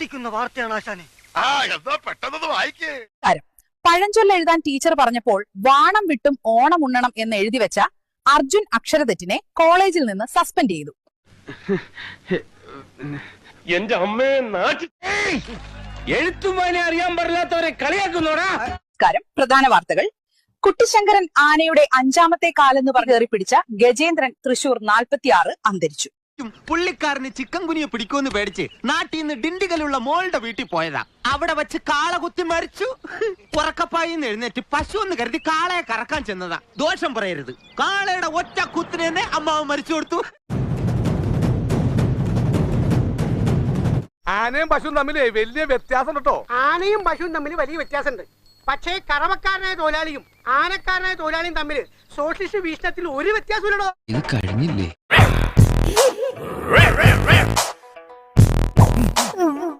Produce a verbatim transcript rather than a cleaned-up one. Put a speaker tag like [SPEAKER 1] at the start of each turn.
[SPEAKER 1] ഞെട്ടിക്കുന്ന വാർത്തയാണ് ആശാനെ.
[SPEAKER 2] പഴഞ്ചൊല്ല് എഴുതാൻ ടീച്ചർ പറഞ്ഞപ്പോൾ വാണം വിട്ടും ഓണം ഉണ്ണണം എന്ന് എഴുതി വെച്ച അർജുൻ അക്ഷരതെറ്റിനെ കോളേജിൽ നിന്ന് സസ്പെൻഡ് ചെയ്തു.
[SPEAKER 3] എന്റെ അമ്മയെ നാട്ടി എഴുത്തുമാനെ അറിയാൻ പാടില്ലാത്തവരെ കളിയാക്കുന്നോടാ.
[SPEAKER 2] നമസ്കാരം. പ്രധാന വാർത്തകൾ. കുട്ടിശങ്കരൻ ആനയുടെ അഞ്ചാമത്തെ കാലെന്ന് പറഞ്ഞു പിടിച്ച ഗജേന്ദ്രൻ തൃശൂർ നാൽപ്പത്തിയാറ് അന്തരിച്ചു.
[SPEAKER 4] പുള്ളിക്കാരന് ചിക്കൻ കുനിയെ പിടിക്കുമെന്ന് പേടിച്ച് നാട്ടിൽ നിന്ന് ഡിണ്ടിഗലുള്ള മോളുടെ വീട്ടിൽ പോയതാ. അവിടെ വെച്ച് കാള കുത്തി മരിച്ചു. ഉറക്കപ്പായിന്ന് എഴുന്നേറ്റ് പശു എന്ന് കരുതി കാളയെ കറക്കാൻ ചെന്നതാ. ദോഷം പറയരുത്, കാളയുടെ ഒറ്റ കുത്തിന് തന്നെ അമ്മാവ് മരിച്ചു കൊടുത്തു.
[SPEAKER 5] ആനയും പശുവും തമ്മിൽ വലിയ വ്യത്യാസം കേട്ടോ.
[SPEAKER 6] ആനയും പശുവും തമ്മിൽ വലിയ വ്യത്യാസമുണ്ട്. പക്ഷേ കറവക്കാരനായ തൊഴിലാളിയും ആനക്കാരനായ തൊഴിലാളിയും തമ്മിൽ സോഷ്യലിസ്റ്റ് വീക്ഷണത്തിൽ ഒരു വ്യത്യാസമില്ലടോ.
[SPEAKER 7] ഇത് കഴിഞ്ഞില്ലേ?